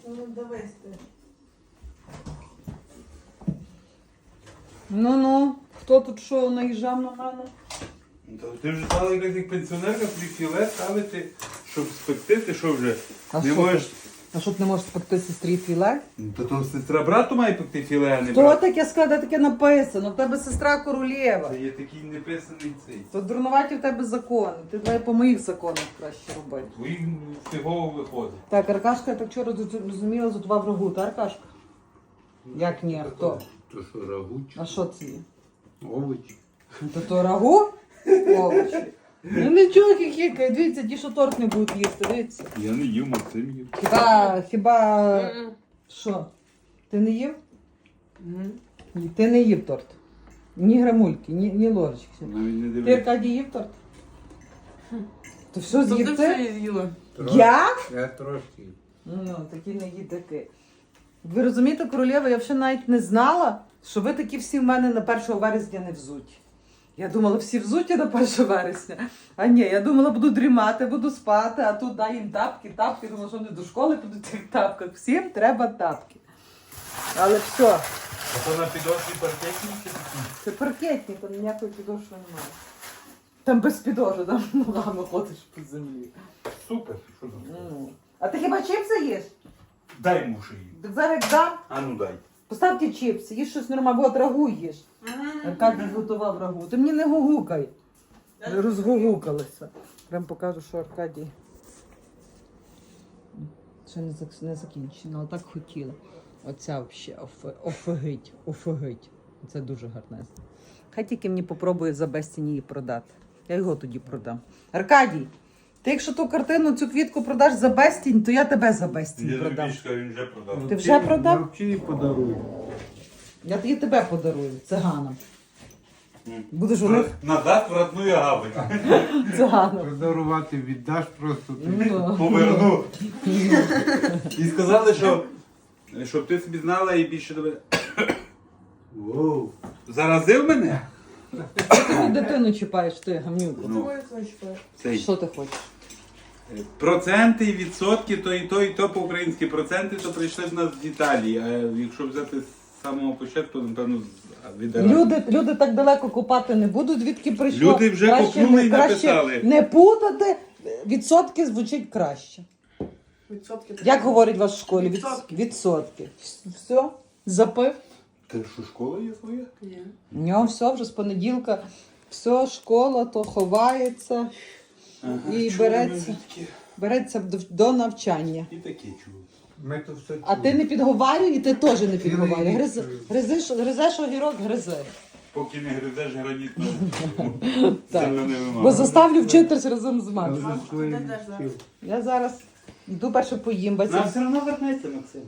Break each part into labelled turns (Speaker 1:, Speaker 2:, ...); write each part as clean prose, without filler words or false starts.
Speaker 1: Ну, дивись ти.
Speaker 2: Ну, хто тут що наїжджав на мене?
Speaker 3: Ти вже стала якась як пенсіонерка, тобі філе ставити, щоб спекти, ти що вже?
Speaker 2: А
Speaker 3: Не
Speaker 2: що
Speaker 3: можеш...
Speaker 2: А що ти не можеш спекти сестрі філе?
Speaker 3: Та то сестра брату має пекти філе, а не
Speaker 2: Хто
Speaker 3: брат.
Speaker 2: таке сказав, де таке написано? В тебе сестра королева.
Speaker 3: Це є такий неписаний цей.
Speaker 2: То дурнуваті в тебе закони. Ти давай по моїх законах краще робити.
Speaker 3: Твоїх фігово виходить.
Speaker 2: Так, Аркашка, я так вчора зрозуміла, готував рагу, та Аркашка? Як ні, хто?
Speaker 4: То що рагу чи
Speaker 2: А що це є?
Speaker 4: овочі?
Speaker 2: То рагу? Овочі. Ну нічого, хіхікай, дивіться, ті, що торт не будуть їсти, дивіться.
Speaker 3: Я не їв, Максим їв.
Speaker 2: Хіба... Що? Ти не їв? Ні, ти не їв торт. Ні грамульки, ні ложечки.
Speaker 3: Навіть не
Speaker 2: Ти,
Speaker 3: дивився.
Speaker 2: Аркадій, їв торт? То все
Speaker 1: Тобто
Speaker 2: з'їв
Speaker 1: все
Speaker 2: ти?
Speaker 1: з'їла.
Speaker 2: Я?
Speaker 4: Я трошки.
Speaker 2: Ну, такі не їдаки. Ви розумієте, королева, я взагалі навіть не знала, що ви такі всі в мене на 1 вересня не взуті. Я думала, всі взуті на 1 вересня. А ні, я думала, буду дрімати, буду спати, а тут дай їм тапки. Думала, що вони до школи підуть в цих тапках. Всім треба тапки. Але все,
Speaker 3: А то на підошві паркетні чи такі?
Speaker 2: це паркетні, там ніякої підошви немає. Там без підошви, там ногами ходиш по землі.
Speaker 3: Супер, що там?
Speaker 2: Ну. А ти хіба чипси їш?
Speaker 3: Дай мушу їм.
Speaker 2: Так зараз як дам.
Speaker 3: А ну дай.
Speaker 2: Поставте чипси, їж щось нормальне, от рагу їж. Аркадій готував рагу. Ти мені не гугукай. Розгугукалися. Прям покажу, що Аркадій. Ще не закінчено, але так хотіла. Оця взагалі офигить. Це дуже гарнезно. Хай тільки мені попробує за безцінь її продати. Я його тоді продам. Аркадій, ти якщо ту картину, цю квітку продаш за безцінь, то я тебе за безцінь
Speaker 3: Я
Speaker 2: продам.
Speaker 3: тобі сказав, він вже продав.
Speaker 2: Ти вже продав?
Speaker 4: Навчи і подаруй.
Speaker 2: Я тоді тебе подарую, циганам. Будеш у них
Speaker 3: Назад в родную гавань.
Speaker 2: циганом.
Speaker 4: Подарувати віддаш просто ти.
Speaker 2: Ну.
Speaker 3: Поверну. І сказали, що щоб ти собі знала і більше до мене.
Speaker 4: Воу.
Speaker 3: Заразив мене?
Speaker 2: Ти дитину чіпаєш, ти гамнюку.
Speaker 3: Ну, цей.
Speaker 2: Що ти хочеш?
Speaker 3: Проценти і відсотки, то і то по-українськи. Проценти то прийшли в нас з Італії. А якщо взяти з самого початку, то напевно від Арабії.
Speaker 2: Люди так далеко копати не будуть, звідки прийшло.
Speaker 3: Люди вже
Speaker 2: Краще
Speaker 3: копнули і
Speaker 2: краще
Speaker 3: написали.
Speaker 2: не путати, відсотки звучить краще.
Speaker 1: Відсотки.
Speaker 2: Як говорять у вас в школі?
Speaker 1: Відсотки.
Speaker 2: Відсотки. Все, запив.
Speaker 3: Та що, школа є своя?
Speaker 1: Ні.
Speaker 2: У нього все вже з понеділка. Все, школа, то ховається і
Speaker 3: чули
Speaker 2: береться.
Speaker 3: ми відки.
Speaker 2: Береться до навчання.
Speaker 3: І таке чув.
Speaker 4: Ми то все
Speaker 2: А ти не підговарюй, і ти теж не підговарюй.
Speaker 4: рік
Speaker 2: Гризеш огірок, гризи.
Speaker 3: Поки не гризеш граніт,
Speaker 2: Так.
Speaker 3: землю не
Speaker 2: Бо
Speaker 3: вимагає.
Speaker 2: заставлю вчитись разом з
Speaker 4: Але
Speaker 2: мамою.
Speaker 4: за своїм
Speaker 1: Ти теж
Speaker 4: вчив.
Speaker 2: Я зараз йду перше поїм,
Speaker 3: Нам
Speaker 2: баця.
Speaker 3: все одно вернеться, Максим.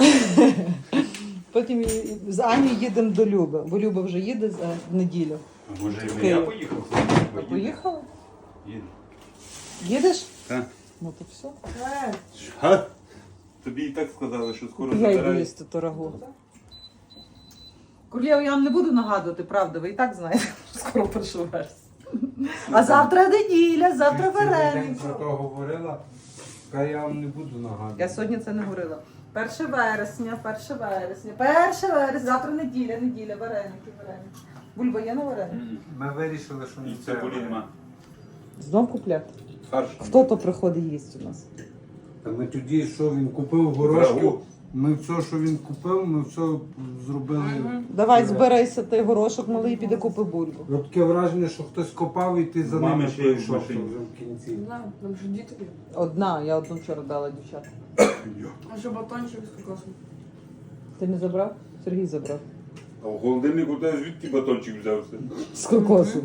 Speaker 2: Потім з Ані їдемо до Люби, бо Люба вже їде в неділю.
Speaker 3: А може і
Speaker 2: Київ.
Speaker 3: я поїхав?
Speaker 2: Поїхала?
Speaker 3: Їду.
Speaker 2: Їдеш?
Speaker 3: Так.
Speaker 2: Ну то все.
Speaker 3: Ха? Тобі і так сказали, що скоро
Speaker 2: Я йду
Speaker 3: забирають.
Speaker 2: їсти то рагу. Королєва, я вам не буду нагадувати, правда, ви і так знаєте, що скоро 1 вересня. А завтра неділя, завтра
Speaker 4: Ти цілий день
Speaker 2: вареники.
Speaker 4: про то говорила, а я вам не буду нагадувати.
Speaker 2: Я сьогодні це не говорила. 1 вересня, 1 завтра неділя, вареники. Бульба є на вареники?
Speaker 4: Ми вирішили, що
Speaker 3: І
Speaker 4: не
Speaker 3: це
Speaker 4: треба.
Speaker 3: нема.
Speaker 2: Знов купляти.
Speaker 3: Фарш.
Speaker 2: Хто то приходить їсть у нас?
Speaker 4: Та ми тоді, що він купив горошків,
Speaker 3: Рагу.
Speaker 4: ми все, що він купив, ми все зробили.
Speaker 2: Давай збирайся, ти горошок малий, піде купи бульбу.
Speaker 4: От таке враження, що хтось копав і ти за
Speaker 3: Мами
Speaker 4: ними
Speaker 3: ще є в
Speaker 4: прийшов
Speaker 3: машині.
Speaker 4: вже в кінці.
Speaker 1: Не знаю, нам же діти є.
Speaker 2: Я одну вчора дала дівчат.
Speaker 1: А що батончик з кокосом?
Speaker 2: Ти не забрав? Сергій забрав.
Speaker 3: А в холодильнику де звідки батончик взявся?
Speaker 2: З кокосом.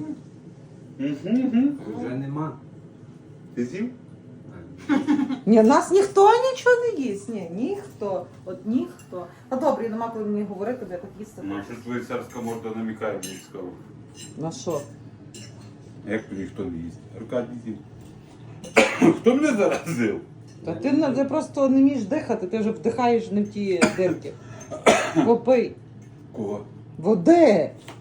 Speaker 4: Вже нема.
Speaker 3: Ти з'їв?
Speaker 2: Ні, нас ніхто нічого не їсть. Ні, ніхто. От ніхто. Та добре, нема коли мені говорити, бо я так їсти.
Speaker 3: Ну, що твоя царська морда намікає, мені цікаво.
Speaker 2: На що?
Speaker 3: Як то ніхто не їсть? Аркадій з'їв. Хто мене заразив?
Speaker 2: Та ти просто не вмієш дихати, ти вже вдихаєш не в ті дирки. Попий.
Speaker 3: Кого?
Speaker 2: Води!